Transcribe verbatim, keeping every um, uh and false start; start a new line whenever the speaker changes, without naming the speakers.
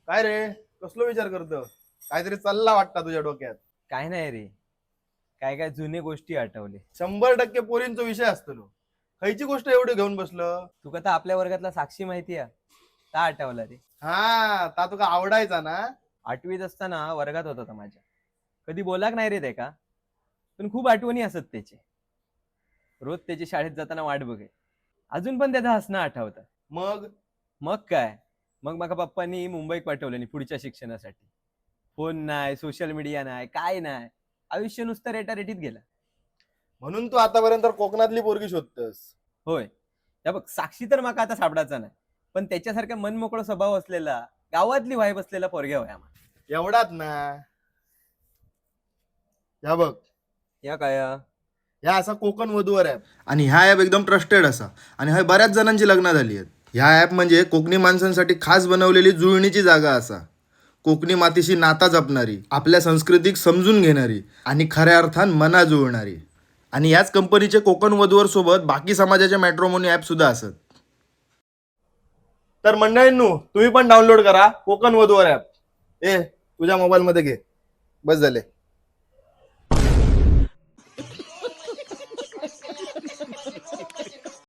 काय रे, कसलो विचार करतो? काहीतरी चालला वाटता तुझ्या डोक्यात.
काय नाही रे. काय काय जुने गोष्टी आठवले.
शंभर टक्के पोरींचा विषय असतो. खयची गोष्ट एवढी घेऊन बसलो?
तुका तर आपल्या वर्गातला साक्षी माहिती आहे ता आठवला रे.
हा, ता तुका आवडायचा ना?
आठवीत असताना वर्गात होता तो माझ्या. कधी बोलाक नाही रे ते का, पण खूप आठवणी असत त्याचे. रोज त्याची शाळेत जाताना वाट बघे. अजून पण त्याचं हसणं आठवतं.
मग
मग काय, मग माझ्या पप्पांनी मुंबईत पाठवलं पुढच्या शिक्षणासाठी. फोन नाही, सोशल मीडिया नाही, काय नाही. आयुष्य नुसतं रेटारेटीत गेलं.
म्हणून तू आतापर्यंत कोकणातली पोरगी शोधतस?
होय. त्या बघ, साक्षी तर माका आता सापडायचा नाही, पण त्याच्यासारखा मनमोकळा स्वभाव असलेला, गावातली वाईब असलेला पोरग्या होया आम्हाला.
एवढाच ना? या बघ,
या काय
ह्या असा कोकण वधूवर ऍप, आणि ह्या ऍप एकदम ट्रस्टेड असा, आणि ह्या बऱ्याच जणांची लग्न झाली आहेत. ह्या ऍप म्हणजे कोकणी माणसांसाठी खास बनवलेली जुळणीची जागा असा. कोकणी मातीशी नाता जपणारी, आपल्या संस्कृतीक समजून घेणारी आणि खऱ्या अर्थान मना जुळणारी. आणि याच कंपनीचे कोकण वधूवर सोबत बाकी समाजाच्या मॅट्रोमोनी ऍप सुद्धा असत. तर मंडळींनो, तुम्ही पण डाउनलोड करा कोकण वधूवर ऍप. ए, तुझ्या मोबाईल मध्ये घे. बस झाले.